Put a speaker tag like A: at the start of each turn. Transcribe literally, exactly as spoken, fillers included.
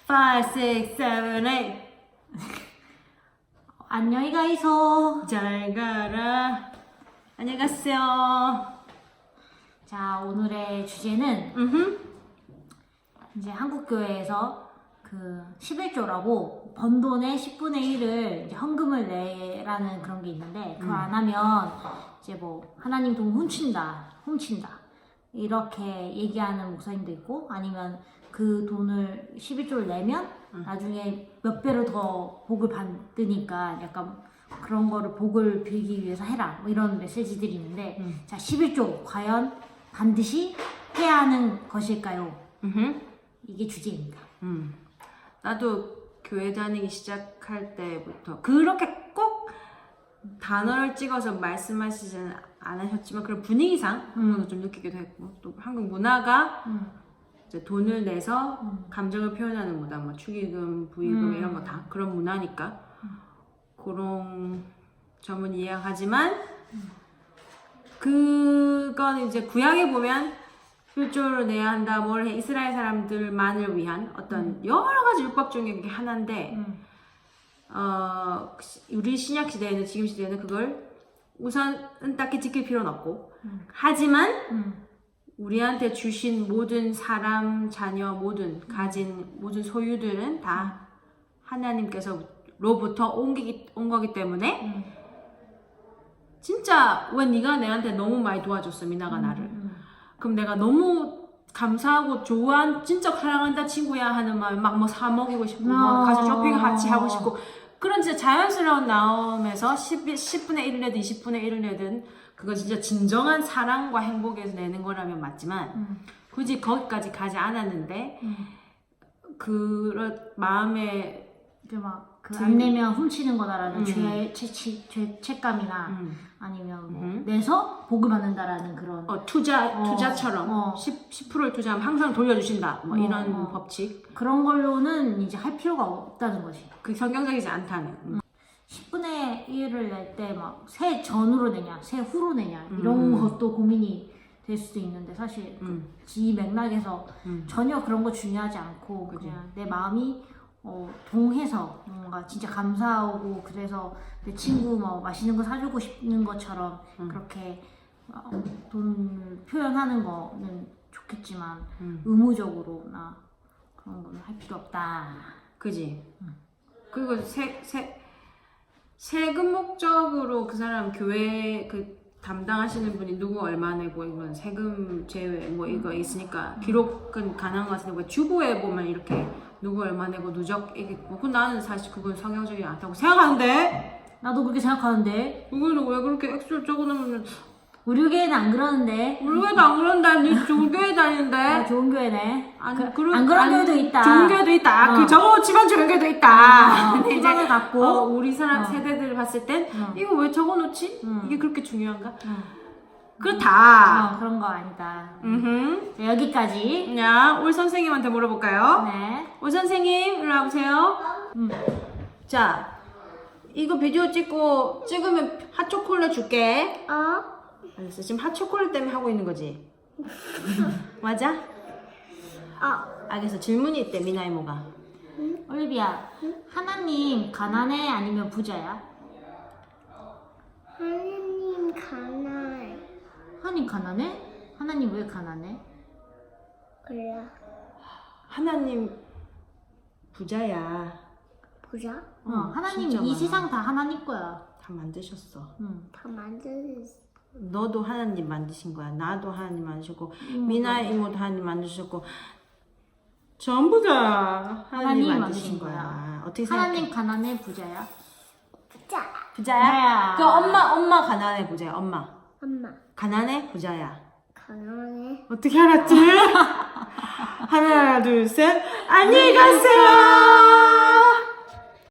A: five, six, seven, eight.
B: 안녕히 가이소.
A: 잘 가라. 안녕히 가세요.
B: 자, 오늘의 주제는
A: 음흠.
B: 이제 한국교회에서 그 십일조라고 번 돈의 십분의 일을 이제 헌금을 내라는 그런 게 있는데 그걸
A: 음.
B: 안 하면 이제 뭐 하나님 돈 훔친다, 훔친다 이렇게 얘기하는 목사님도 있고 아니면 그 돈을 십일조를 내면
A: 음.
B: 나중에 몇 배로 더 복을 받으니까 약간 그런 거를 복을 빌기 위해서 해라 뭐 이런 메시지들이 있는데
A: 음.
B: 자 십일조 과연 반드시 해야 하는 것일까요?
A: 음흠.
B: 이게 주제입니다.
A: 음. 나도 교회 다니기 시작할 때부터 그렇게 꼭 단어를 찍어서 말씀하시지는 않으셨지만 그런 분위기상
B: 음.
A: 좀 느끼기도 했고 또 한국 문화가
B: 음.
A: 이제 돈을 내서
B: 음.
A: 감정을 표현하는 문화, 뭐 축의금, 부의금
B: 음.
A: 이런 거 다 그런 문화니까 그런 점은 이해하지만 그건 이제 구약에 보면 십일조를 내야 한다, 뭘 해, 이스라엘 사람들만을 위한 어떤 여러 가지 율법 중에 그게 하나인데
B: 음.
A: 어, 우리 신약 시대에는 지금 시대에는 그걸 우선은 딱히 지킬 필요는 없고
B: 음.
A: 하지만
B: 음.
A: 우리한테 주신 모든 사람, 자녀, 모든 가진 모든 소유들은 다 하나님께서로부터 옮기기, 온 거기 때문에
B: 음.
A: 진짜 왜 네가 내한테 너무 많이 도와줬어, 미나가 나를.
B: 음.
A: 그럼 내가 너무 감사하고 좋아한 진짜 사랑한다 친구야 하는 마음 막 뭐 사 먹이고 싶고 뭐
B: 어.
A: 가서 쇼핑 같이 하고 싶고 그런 진짜 자연스러운 마음에서 십, 십분의 일을 내든 이십분의 일을 내든 그건 진짜 진정한 사랑과 행복에서 내는 거라면 맞지만
B: 음.
A: 굳이 거기까지 가지 않았는데
B: 음.
A: 그런 마음에
B: 이제 막그
A: 들-
B: 안 내면 훔치는 거다라는
A: 음.
B: 죄, 죄, 죄, 죄, 책감이나
A: 음,
B: 아니면 뭐
A: 음.
B: 내서 복을 받는다라는 그런
A: 어, 투자,
B: 어,
A: 투자처럼
B: 어.
A: 십, 십 퍼센트를 투자하면 항상 돌려주신다 뭐
B: 어,
A: 이런
B: 어.
A: 법칙
B: 그런 걸로는 이제 할 필요가 없다는 거지.
A: 그 성경적이지 않다는 음.
B: 십분의 일을 낼 때 막 새 전으로 내냐, 새 후로 내냐 이런
A: 음.
B: 것도 고민이 될 수도 있는데 사실
A: 음.
B: 이 맥락에서
A: 음.
B: 전혀 그런 거 중요하지 않고
A: 그지.
B: 그냥 내 마음이 어, 동해서 뭔가 진짜 감사하고 그래서 내 친구 뭐 맛있는 거 사주고 싶는 것처럼
A: 음.
B: 그렇게 어, 돈을 표현하는 거는 좋겠지만
A: 음.
B: 의무적으로나 그런 거는 할 필요 없다.
A: 그지? 그리고 세, 세, 세금 목적으로 그 사람 교회 그 담당하시는 분이 누구 얼마 내고 이건 세금 제외 뭐 이거 있으니까 기록은 가능한 것 같은데 왜 주보에 보면 이렇게 누구 얼마 내고 누적 이겠고 그 나는 사실 그건 성경적이지 않다고 생각하는데
B: 나도 그렇게 생각하는데
A: 그거는 왜 그렇게 액수를 적어놓으면
B: 우리 교회는 안 그러는데.
A: 우리 교회도 안 그런다 니 좋은 교회
B: 아,
A: 다니는데
B: 좋은 교회네.
A: 안,
B: 그,
A: 그런-
B: 안 그런
A: 안-
B: 교회도 있다.
A: 좋은 교회도 있다.
B: 어.
A: 그 적어놓지만 좋은 교회도 있다.
B: 어,
A: 근데 이제
B: 희망을 갖고.
A: 어, 우리 사람
B: 어.
A: 세대들을 봤을 땐
B: 어.
A: 이거 왜 적어놓지?
B: 음.
A: 이게 그렇게 중요한가?
B: 응.
A: 그렇다.
B: 어, 그런 거 아니다.
A: 음.
B: 네, 여기까지.
A: 야, 올 선생님한테 물어볼까요?
B: 네.
A: 올 선생님, 일로 와보세요.
B: 음.
A: 자, 이거 비디오 찍고 찍으면 핫초콜릿 줄게.
C: 어?
A: 알았어. 지금 핫초콜릿 때문에 하고 있는 거지? 맞아?
C: 어.
A: 알겠어. 질문이 있대, 미나 이모가.
B: 올리비아, 하나님 가난해 아니면 부자야?
C: 하느님 가나에
B: 하나님 가난해? 하나님 왜 가난해?
C: 그래
A: 하나님 부자야.
C: 보자.
B: 어,
A: 응,
B: 하나님
A: 진짜
B: 이
A: 많아.
B: 세상 다 하나님 거야.
A: 다 만드셨어.
B: 응.
C: 다 만들었어.
A: 너도 하나님 만드신 거야. 나도 하나님 만드셨고,
B: 이모도.
A: 미나 이모도 하나님 만드셨고, 전부 다 하나님
B: 하나님
A: 만드신
B: 만드신
A: 거야.
B: 거야.
A: 어떻게 생각해?
B: 하나님 가난해 부자야?
C: 보자.
A: 부자야?
B: 부자야.
A: 그 엄마, 엄마 가난해 부자야. 엄마
C: 엄마
A: 가난해 부자야.
C: 가난해.
A: 어떻게 알았지? 하나, 둘, 셋. 안녕히 가세요.